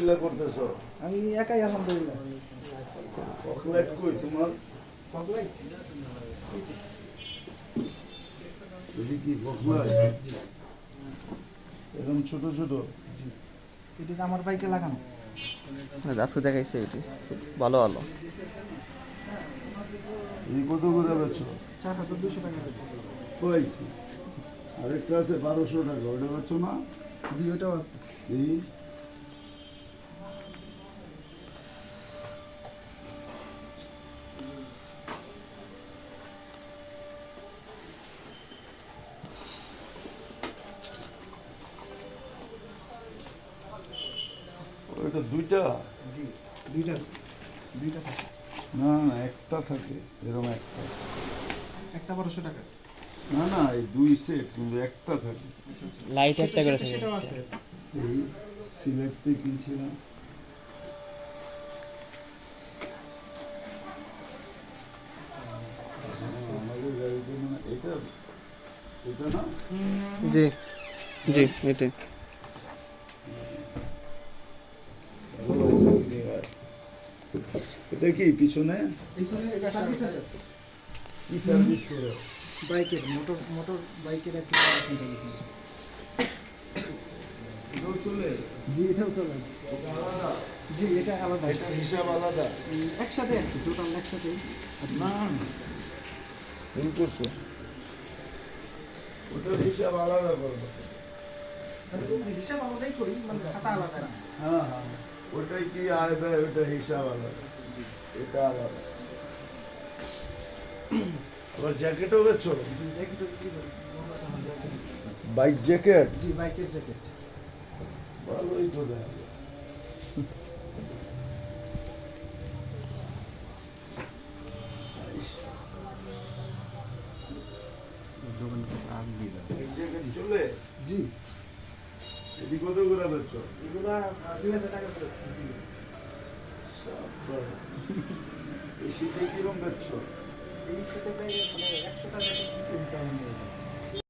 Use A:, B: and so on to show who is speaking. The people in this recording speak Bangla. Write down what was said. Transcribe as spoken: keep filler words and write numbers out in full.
A: মিলে করতেছো?
B: আমি একাই আলহামদুলিল্লাহ।
A: ফকলাইট কই তোমার?
B: ফগলাইট
A: যদি কি ফকলাইট এরকম ছোট ছোট?
B: জি, এটা যে আমার বাইকে লাগানো।
C: আজকে দেখাইছে এটি খুব ভালো ভালো।
A: এই কত করে বেছো?
B: চার হাজার দুশো টাকা করে।
A: কই আরেকটা আছে বারোশো টাকা, ওটা বেছো না?
B: জি, ওটাও আছে।
A: এই ওইটা দুইটা?
B: জি, দুইটা আছে, দুইটা থাকে।
A: না না একটা থাকে, এরকম একটা।
B: একটা বারোশো টাকা।
A: না না এই দুই সেট কিন্তু একটা থাকে।
B: আচ্ছা আচ্ছা,
C: লাইট একটা করে
B: সেটা-
C: থাকে।
B: সেটাও আছে।
A: এই সিলেট থেকে কিনছিলাম। আমাদের গাড়িতে মানে এটা এটা না?
C: জি জি এটাই।
A: এটা কি পিছনে
B: পিছনে এটা সার্ভিসের
A: কি সার্ভিস করে?
B: বাইকের মোটর মোটর বাইকের একটা সার্ভিস থাকে।
A: এটাও চলে?
B: জি, এটাও চলে।
A: এটা আলাদা?
B: জি, এটা আলাদা।
A: এটা হিসাব আলাদা?
B: উম, একসাথে আর কি, টোটাল একসাথে।
A: না ভুল করছো, ওটার হিসাব আলাদা করবো।
B: হিসাব আলাদাই করি, মানে খাতা আলাদা না।
A: হ্যাঁ হ্যাঁ ওটাই কি আয় ব্যয়, ওটা হিসাব আলাদা, এটা আলাদা। আবার জ্যাকেটও বেছো?
B: জি, জ্যাকেটও বিক্রি করি।
A: Bike jacket?
B: জি, বাইকের জ্যাকেট।
A: ভালোই তো দেখা যায়। বাইক জ্যাকেট চলে?
B: জি,
A: এটি কত করে বেছো?
B: এগুলা দুই হাজার টাকা করে।
A: সাব্বাস। এই শীতে কিরম বেছো?
B: এই সাথে প্রায় মানে একশো টাকা বিক্রি হয়েছে আমার।